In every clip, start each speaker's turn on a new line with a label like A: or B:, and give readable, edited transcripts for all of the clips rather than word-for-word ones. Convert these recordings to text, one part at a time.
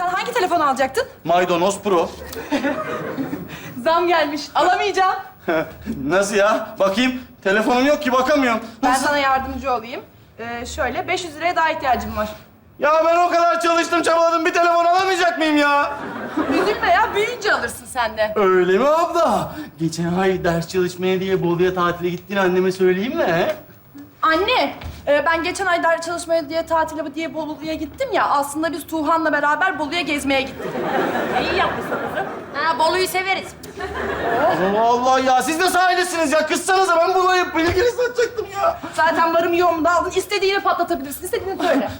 A: hangi telefon alacaktın?
B: Maydanoz Pro.
A: Zam gelmiş. Alamayacağım.
B: Nasıl ya? Bakayım. Telefonum yok ki, bakamıyorum.
A: Ben
B: Nasıl?
A: sana yardımcı olayım. Şöyle 500 liraya daha ihtiyacım var.
B: Ya ben o kadar çalıştım, çabaladım. Bir telefon alamayacak mıyım ya?
A: Üzülme ya, büyüyünce alırsın sen de.
B: Öyle mi abla? Geçen ay ders çalışmaya diye Bolu'ya tatile gittiğini anneme söyleyeyim mi? He?
A: Anne, ben geçen ay ders çalışmaya diye tatile diye Bolu'ya gittim ya. Aslında biz Tuğhan'la beraber Bolu'ya gezmeye gittik.
C: İyi yapmışsın kızım.
D: Ha, Bolu'yu severiz.
B: Allah Allah ya, siz de sahildesiniz ya. Kızsanıza, ben Bolu'ya bilgili satacaktım ya.
A: Zaten varım yoğumu da aldın. İstediğini patlatabilirsin. İstediğini söyle.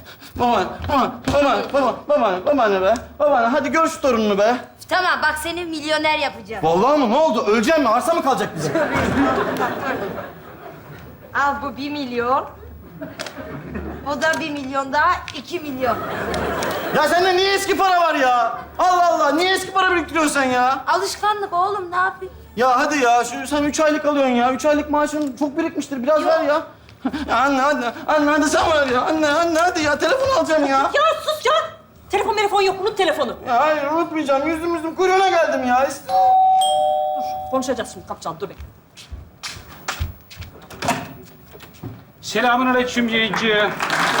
B: Babaanne be. Babaanne, hadi gör şu torununu be.
D: Tamam, bak seni milyoner yapacağım.
B: Vallahi mı? Ne oldu? Öleceğim mi? Arsa mı kalacak bize?
D: Al bu 1 milyon. O da 1 milyon daha 2 milyon.
B: Ya sende niye eski para var ya? Allah Allah, niye eski para biriktiriyorsun sen ya?
D: Alışkanlık oğlum, ne yapayım?
B: Ya hadi ya, sen 3 aylık alıyorsun ya. 3 aylık maaşın çok birikmiştir. Biraz ver ya. Ya anne, hadi sen ver ya. Anne, hadi ya. Telefon alacağım ya.
C: Ya sus ya. Telefon yok. Unut telefonu.
B: Ya hayır, unutmayacağım. Yüzüm kuyruğuna geldim ya.
C: Konuşacağız şimdi. Kapacağım. Dur bekle.
E: Selamünaleyküm yayıncı.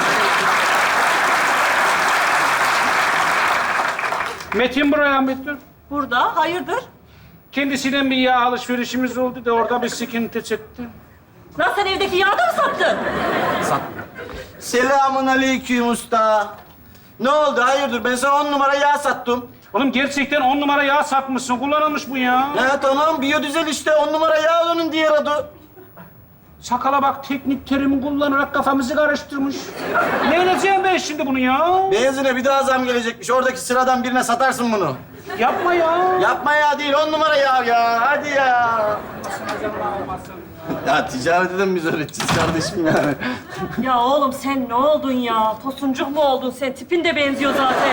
E: Metin buraya Metin.
C: Burada. Hayırdır?
E: Kendisinden bir yağ alışverişimiz oldu da orada bir sıkıntı çıktı.
C: Lan sen evdeki yağı da mı sattın?
B: Selamünaleyküm usta. Ne oldu? Hayırdır? Ben sana 10 numara yağ sattım.
E: Oğlum gerçekten 10 numara yağ satmışsın. Kullanılmış bu ya.
B: Ya tamam, biyodizel işte. 10 numara yağ onun diğer adı.
E: Sakala bak, teknik terimi kullanarak kafamızı karıştırmış. Ne edeceğim ben şimdi bunu ya?
B: Benzine bir daha zam gelecekmiş. Oradaki sıradan birine satarsın bunu.
E: Yapma ya.
B: Yapma ya, değil. 10 numara yağ ya. Hadi ya. Ya ticareti de mi biz öğreteceğiz kardeşim yani?
C: Ya oğlum sen ne oldun ya? Tosuncuk mu oldun sen? Tipin de benziyor zaten.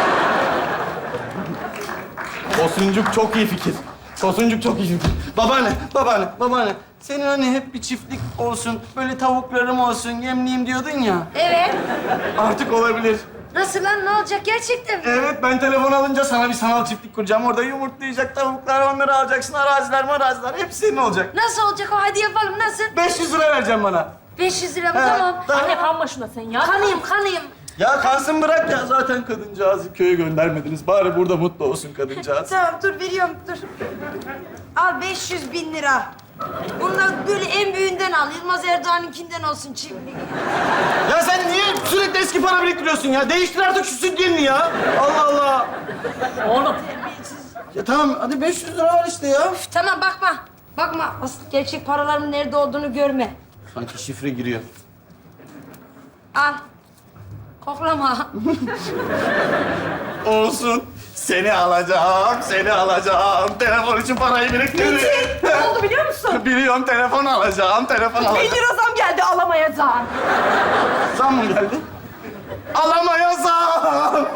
B: Tosuncuk çok iyi fikir. Tosuncuk çok iyi fikir. Babaanne. Senin hani hep bir çiftlik olsun, böyle tavuklarım olsun, yemleyeyim diyordun ya.
D: Evet.
B: Artık olabilir.
D: Nasıl lan, ne olacak gerçekten mi?
B: Evet, ben telefon alınca sana bir sanal çiftlik kuracağım. Orada yumurtlayacak tavuklar, onları alacaksın. Araziler, hepsi senin olacak.
D: Nasıl olacak o? Hadi yapalım, nasıl?
B: 500 lira vereceğim bana.
D: 500 lira mı?
B: He,
D: Tamam.
C: Anne kanma şuna sen ya.
D: Kanayım.
B: Ya kansın bırak ya. Zaten kadıncağızı köye göndermediniz. Bari burada mutlu olsun kadıncağız.
D: Tamam, dur veriyorum, dur. Al 500 bin lira. Bunlar böyle en büyüğünden al. Yılmaz Erdoğan'ınkinden olsun çiftlik.
B: Ya sen niye sürekli eski para biriktiriyorsun ya? Değiştir artık şu sütyenini ya. Allah Allah.
C: Oğlum.
B: Ya tamam, hadi 500 lira var işte ya.
D: Tamam, bakma. Asıl gerçek paralarımın nerede olduğunu görme.
B: Sanki şifre giriyor.
D: Al. Koklama.
B: Olsun. Seni alacağım. Telefon için parayı biriktirdim.
A: Ne oldu biliyor musun?
B: Biliyorum, telefon alacağım.
A: 1 lira zam geldi, alamayacağım.
B: Zam mı geldi? Alamayasam.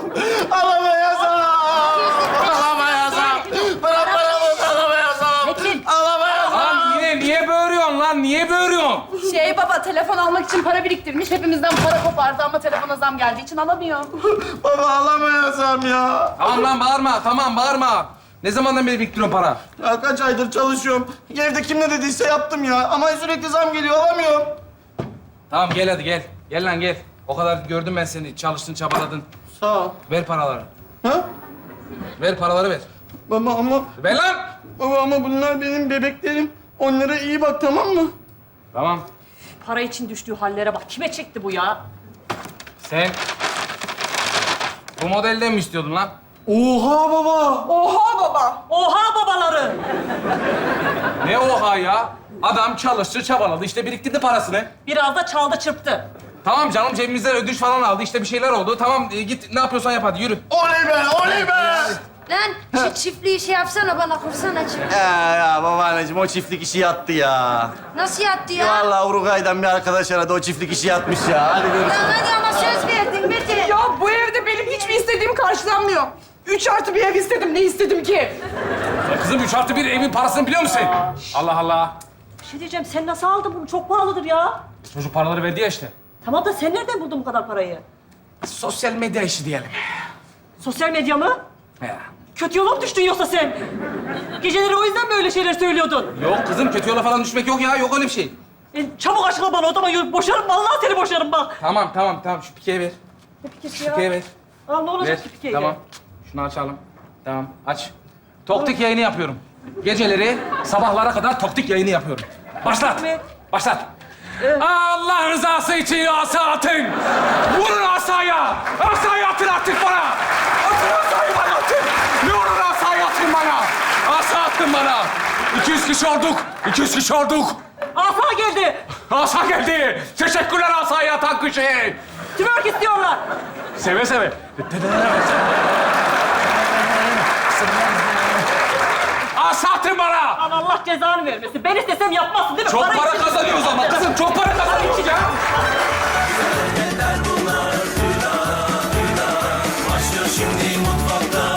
B: Bırak paramı, alamayasam.
F: Lan yine niye böğürüyorsun lan? Niye böğürüyorsun?
A: Baba, telefon almak için para biriktirmiş. Hepimizden para kopardı ama telefona zam geldiği için alamıyor.
B: Baba, alamayasam ya.
F: Tamam lan bağırma, tamam bağırma. Ne zamandan beri biriktiriyorsun para?
B: Ya kaç aydır çalışıyorum. Evde kim ne dediyse yaptım ya. Ama sürekli zam geliyor, alamıyorum.
F: Tamam gel hadi gel. Gel lan gel. O kadar gördüm ben seni. Çalıştın, çabaladın.
B: Sağ ol.
F: Ver paraları.
B: Ha?
F: Ver paraları ver.
B: Baba
F: Ver lan!
B: ama bunlar benim bebeklerim. Onlara iyi bak, tamam mı?
F: Tamam.
C: Para için düştüğü hallere bak. Kime çekti bu ya?
F: Sen bu modelden mi istiyordun lan?
B: Oha baba.
A: Oha baba.
C: Oha babaları!
F: Ne oha ya? Adam çalıştı, çabaladı. İşte biriktirdi parasını.
C: Biraz da çaldı çırptı.
F: Tamam canım, cebimizden ödünç falan aldı. İşte bir şeyler oldu. Tamam git ne yapıyorsan yap hadi yürü.
B: Oley be.
D: Lan şu çiftliği şey yapsana, bana kursana çiftliği.
B: Ya babaanneciğim, o çiftlik işi yattı ya.
D: Nasıl yattı ya?
B: Vallahi Uruguay'dan bir arkadaş aradı, o çiftlik işi yatmış ya. Hadi görüşürüz.
D: Lan hadi ama söz verdin Metin.
A: Ya bu evde benim hiçbir istediğim karşılanmıyor. 3+1 ev istedim. Ne istedim ki?
F: Kızım 3+1 evin parasını biliyor musun? Allah Allah.
C: Bir şey diyeceğim. Sen nasıl aldın bunu? Çok pahalıdır ya.
F: Çocuk paraları verdi ya işte.
C: Tamam da sen nereden buldun bu kadar parayı?
F: Sosyal medya işi diyelim.
C: Sosyal medya mı?
F: Ya.
C: Kötü yola mı düştün yoksa sen? Geceleri o yüzden böyle şeyler söylüyordun.
F: Yok kızım kötü yola falan düşmek yok ya. Yok öyle bir şey.
C: Çabuk açıkla bana o zaman boşarım. Vallahi seni boşarım bak.
F: Tamam. Şu pikeyi ver.
C: Ne pikesi
F: Şu
C: ya?
F: pikeyi ver.
C: Aa, ne
F: Ver.
C: olacak ki pikeyle?
F: Tamam. Şunu açalım. Tamam aç. Toktik yayını yapıyorum. Geceleri sabahlara kadar toktik yayını yapıyorum. Başlat.
C: Ne?
F: Başlat. Allah rızası için asa atın. Vurun asaya. Asayı atın artık bana. Atın asayı bana atın. Ne olur asayı atın bana. Asa atın bana. 200 kişi olduk. 200 kişi olduk.
C: Asa geldi.
F: Asa geldi. Teşekkürler asayı atan kişi.
C: Twerk istiyorlar.
F: Seve seve. Asa atın bana.
C: Lan Allah cezanı vermesin. Ben istesem yapmazsın değil mi?
F: Çok para
C: için-
F: kazanıyoruz ama kızım. Çok para kazanıyoruz ya.
G: Başlıyor şimdi mutfakta